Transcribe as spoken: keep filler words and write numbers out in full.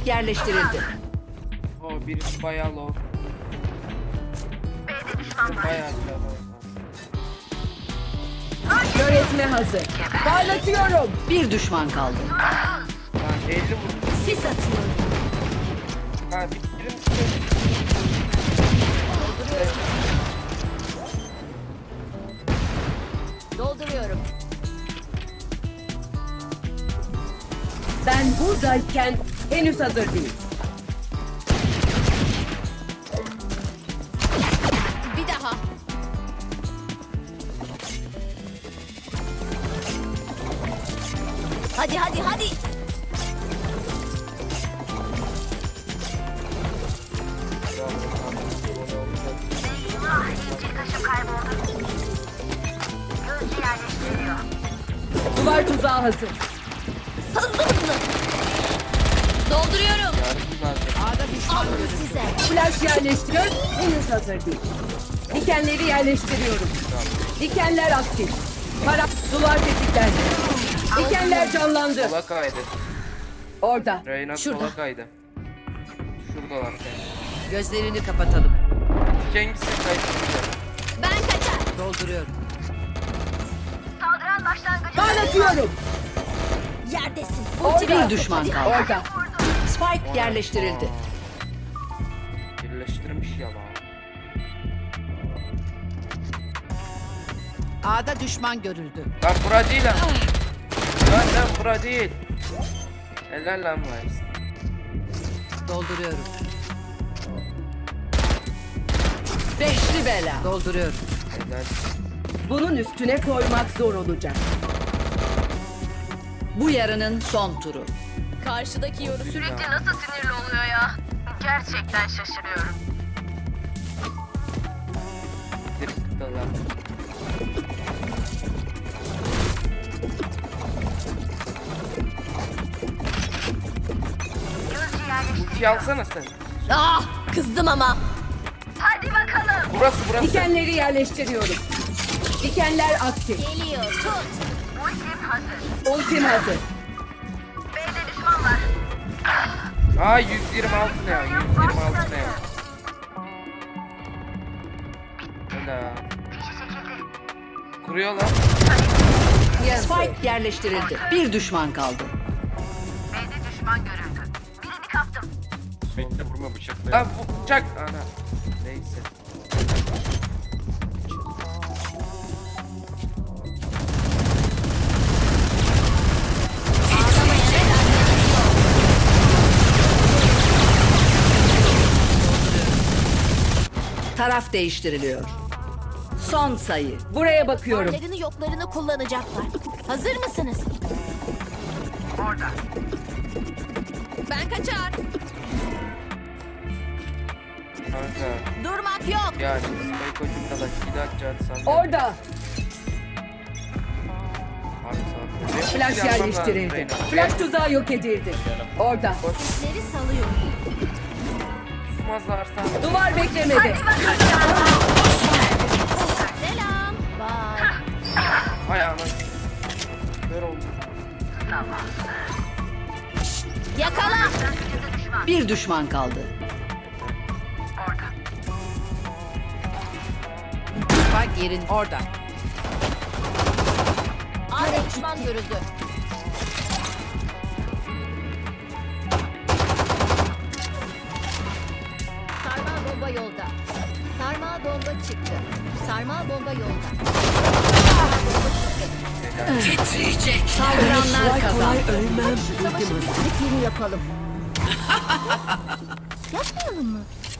Spike yerleştirildi. O birisi bayağı low. Bayağı low. Kör etme hazır. Parlatıyorum. Bir düşman kaldı. Lan elli vurdu. Sis atıyorum. Ha bitirir misin? Dolduruyorum. Ben buradayken henüz hazır değil. Bir daha. Hadi hadi hadi. Duvar tuzağı hazır. Hızlı hızlı. Dolduruyorum. Yardım lazım. Ağda düşman alın size. Flash yerleştiriyor. Henüz hazır değil. Dikenleri yerleştiriyorum. Dikenler aktif. Para duvar tetiklendi. Dikenler canlandı. Sola kaydı. Orada. Reyna Şurada. sola kaydı. Şuradalar yani. Gözlerini kapatalım. Hangisi kaydı? Ben kaçar. Dolduruyorum. Saldıran başlangıcı. Parlatıyorum. Yerdesin. Orada. Bir düşman kaldı. Orada. Spike yerleştirildi. Birleştirmiş ya lan. Ağda düşman görüldü. Lan bura değil lan. Lan lan bura değil. Helal lan Mayıs. Dolduruyorum. Beşli bela. Dolduruyorum. Helal. Bunun üstüne koymak zor olacak. Bu yarının son turu. Karşıdaki yoru sürekli nasıl sinirli oluyor ya? Gerçekten şaşırıyorum. Direkt lan. Ulti alsana sen. Ah, kızdım ama. Hadi bakalım. Burası burası. Dikenleri yerleştiriyorum. Dikenler aktif. Geliyor. Tut. Ultim hazır. Ultim hazır. B'de düşman var. Aa yüz yirmi altı ne ya? yüz yirmi altı ne ya? Helal. Kuruyor lan. Spike yerleştirildi. Bir düşman kaldı. B'de düşman görüldü. Birini kaptım. Bekle vurma bıçakla. Lan bu bıçak. Ana. Neyse. Taraf değiştiriliyor. Son sayı. Buraya bakıyorum. Varlarını yoklarını kullanacaklar. Hazır mısınız? Orada. Ben kaçar. Kanka. Durmak yok. Yani Spike ucunda da iki dakika atsan. Orada. Abi sağ ol. Flash yerleştirildi. Flash tuzağı yok edildi. Orada. Sizleri salıyorum. Susmazlarsa. Duvar beklemedi. Selam. Bye. Hay anasını. Kör oldu. Yakala. Bir düşman kaldı. Spike yerin orada. Ağda düşman görüldü. Sarmal bomba yolda. Sarmal bomba çıktı. Sarmal bomba yolda. Sarmal bomba çıktı. Titriyecek. Saldıranlar kazandı. Savaşı bittikleri yapalım. Yapmayalım mı?